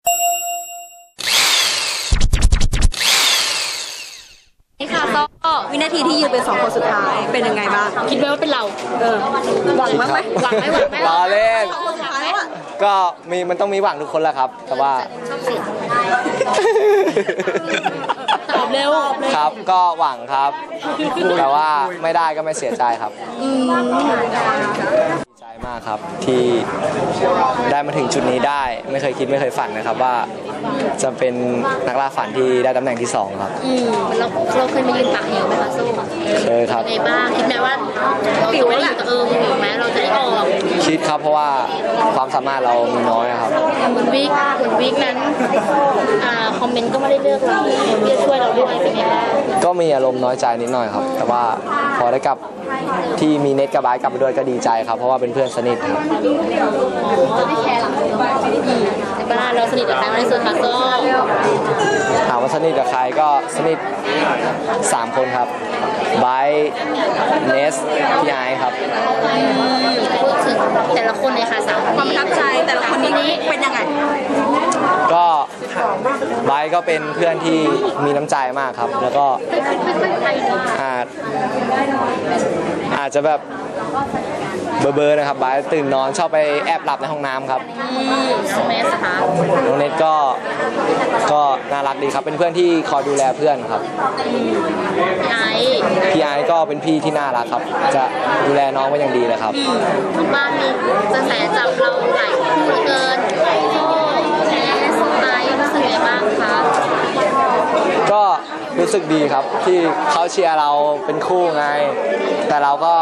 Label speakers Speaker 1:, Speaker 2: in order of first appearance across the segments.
Speaker 1: นี่ค่ะก็วินาทีที่ยืนเป็น2 คนสุดท้ายเป็นยังไงบ้างคิดไหมว่าเป็นเราหวังไหมหวังไหม
Speaker 2: รอเล่น
Speaker 1: ก็
Speaker 2: มันต้องมีหวังทุกคนแหละครับแต่ว่า
Speaker 1: ตอบเร็ว
Speaker 2: ครับก็หวังครับแต่ว่าไม่ได้ก็ไม่เสียใจครับดีใจมากครับที่ได้มาถึงจุดนี้ได้ไม่เคยคิดไม่เคยฝันนะครับว่าจะเป็นนักล่าฝันที่ได้ตำแหน่งที่2ครับ
Speaker 1: เราเคยมายืนปากเหวไหมคะสู้
Speaker 2: เคยครับ
Speaker 1: ในบ้างคิดไหมว่าเราจะไม่อยู่อยู่ไหมเราจะได้ออก
Speaker 2: คิดครับเพราะว่าความสามารถเรามีน้อยครับ
Speaker 1: คุณวิกนั้นคอมเมนต์ก็ไม่ได้เลือกเราที่จะช่วยเราด้วยเป็นไงบ้าง
Speaker 2: ก็มีอารมณ์น้อยใจนิดหน่อยครับแต่ว่าพอได้กลับที่มีเน็ตกับไบค์กลับไปด้วยก็ดีใจครับเพราะว่าเป็นเพื่อนสนิทครับ
Speaker 1: แต่บ้านเราสนิทกับใครมากที่สุดคะโซ่
Speaker 2: ถามว่าสนิทกับใครก็สนิท3 คนครับไบค์เนสพี่ไอครับ
Speaker 1: พูดถึงแต่ละคนเลยค่ะ3 คนความประทับใจแต่ละคนนี้เป็นยังไง
Speaker 2: ก็ไบค์ก็เป็นเพื่อนที่มีน้ำใจมากครับแล้วก็อาจจะแบบเบอร์นะครับไบค์ตื่นนอนชอบไปแอบหลับในห้องน้ำครับ
Speaker 1: น้องเนสค่ะ
Speaker 2: น้องเนสก็น่ารักดีครับเป็นเพื่อนที่คอยดูแลเพื่อนครับพี่ไอก็เป็นพี่ที่น่ารักครับจะดูแลน้องไว้อย่างดีเลยครับ
Speaker 1: บ้านมีกระแสจับเราหลายคู่เกินโซ่แนสไอรู้สึกไงบ้างคะ
Speaker 2: ก็รู้สึกดีครับที่เขาเชียร์เราเป็นคู่ไงแต่เราก็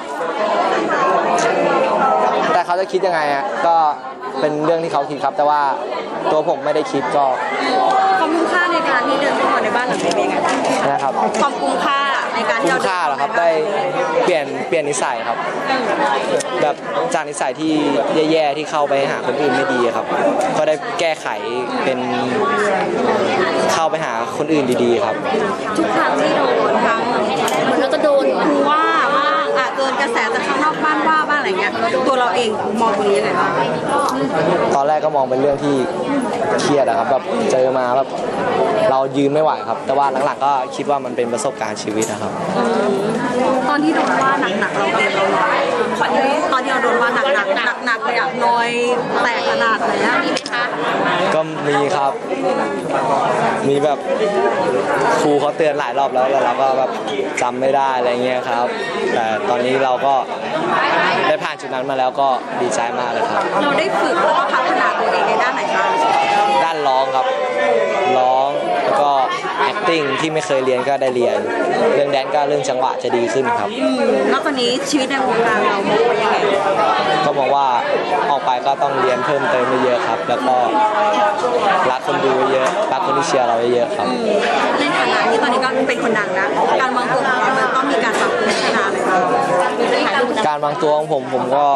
Speaker 2: แต่เขาจะคิดยังไงอ่ะก็เป็นเรื่องที่เขาคิดครับแต่ว่าตัวผมไม่ได้คิดก็
Speaker 1: ความคุ้มค่าในการที่เดินเข้ามาในบ้านหลังนี้เป็นยังไง
Speaker 2: นะครับ
Speaker 1: ความคุ้มค่าในการที่เรา
Speaker 2: คุ้มค่าเหรอครับได้เปลี่ยนนิสัยครับแบบจากนิสัยที่แย่ๆที่เข้าไปหาคนอื่นไม่ดีครับก็ได้แก้ไขเป็นเข้าไปหาคนอื่นดีๆครับ
Speaker 1: ทุกครั้งที่โดนทั้งมันก็โดนว่าโดนกระแสจากข้างนอกบ้านว่าบ้างอะไรเงี้ยตัวเราเองมองตรงนี้ยังไงบ้าง
Speaker 2: ตอนแรกก็มองเป็นเรื่องที่เครียดอะครับแบบเจอมาแบบเรายืนไม่ไหวครับแต่ว่าหลังๆก็คิดว่ามันเป็นประสบการณ์ชีวิตนะครับ
Speaker 1: ตอนที่โดนว่าหนักๆเราเป็นเราน้อยตอนที่เราโดนว่าหนักเลยอะน้อยแตกขนาดไหนอะมีไหมคะ
Speaker 2: ก็มีครับมีแบบครูเขาเตือนหลายรอบแล้วเราก็แบบจำไม่ได้อะไรเงี้ยครับแต่ตอนนี้เราก็ได้ผ่านจุดนั้นมาแล้วก็ดีใจมากเลยครับ
Speaker 1: เราได้ฝึกแล้วก็พัฒนาตัวเองในด้านไหนบ้าง
Speaker 2: ด้านร้องครับร้องแล้วก็ acting ที่ไม่เคยเรียนก็ได้เรียนเรื่องแดนก็เรื่องจังหวะจะดีขึ้นครับ
Speaker 1: แล้วตอนนี้ชีวิตในวงการเรามองว่ายังไง
Speaker 2: ก็มองว่าออกไปก็ต้องเรียนเพิ่มเติมเยอะครับแล้วก็รักคนดูเยอะรักคนที่เชียร์เราเยอะครับ
Speaker 1: ในฐานะที่ตอนนี้ก็เป็นคนดังนะการวางตัวของเรามันต้องมีการปรับปรุงพัฒนาไหมคะ
Speaker 2: การวางตัวของผมก็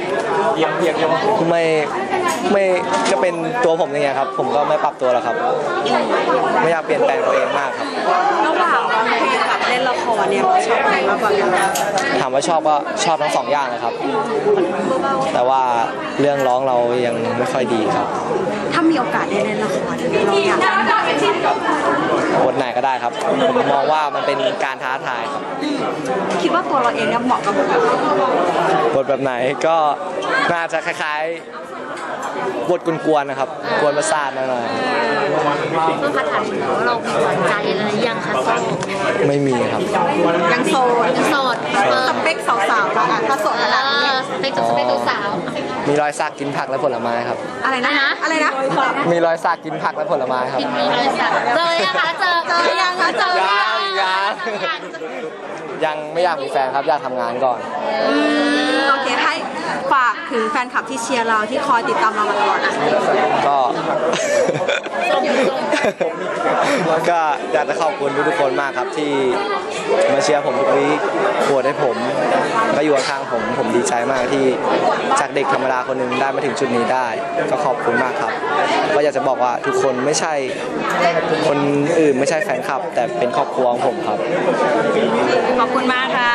Speaker 2: ไม่ก็เป็นตัวผมอย่างเงี้ยครับผมก็ไม่ปรับตัวหรอกครับไม่อยากเปลี่ยนแปลงตัวเองมากครับ
Speaker 1: ระหว่างร้องเพลงกับเล่นละครเนี่ยชอบอะไรมากกว่ากัน
Speaker 2: ถามว่าชอบก็ชอบทั้ง2 อย่างเลยครับแต่ว่าเรื่องร้องเรายังไม่ค่อยดีครับ
Speaker 1: ถ้ามีโอกาสได้เล่นละครเราอยาก
Speaker 2: บทไหนก็ได้ครับผมมองว่ามันเป็นการท้าทายครับ
Speaker 1: คิดว่าตัวเราเองเนี่ยเหมาะกับบ
Speaker 2: ทแบบไหนก็น่าจะคล้ายๆบทกวนๆนะครับกวนประสาทหน่อย
Speaker 1: เพื่อพัฒนาเรามีหวานใจอะไรยังคะโซ่
Speaker 2: ไม่มีครับ
Speaker 1: ยังโสดสเปคสาวๆค่ะถ้าโสดขนาดนี้สเปคสาว
Speaker 2: มีรอยสักกินผักและผลไม้ครับ
Speaker 1: อะไรนะ
Speaker 2: มีรอยสักกินผักและผลไม้ครับ
Speaker 1: มีรอยสักเจอยังคะเจอยัง
Speaker 2: ยังไม่อยากมีแฟนครับอยากทำงานก่อน
Speaker 1: โอเคให้ฝากถึงแฟนคลับที่เชียร์เราที่คอยติดตามเรามาตลอดนะ
Speaker 2: ก็อยากจะขอบคุณทุกคนมากครับที่มาเชียร์ผมทุกวีคโหวตให้ผมก็อยู่ข้างผมดีใจมากที่จากเด็กธรรมดาคนหนึ่งได้มาถึงจุดนี้ได้ก็ขอบคุณมากครับก็อยากจะบอกว่าทุกคนไม่ใช่คนอื่นไม่ใช่แฟนคลับแต่เป็นครอบครัวของผมครับ
Speaker 1: ขอบคุณมากค่ะ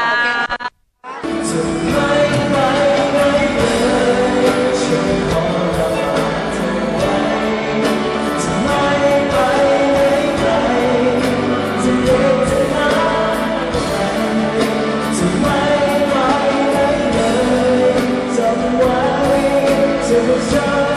Speaker 3: Superstar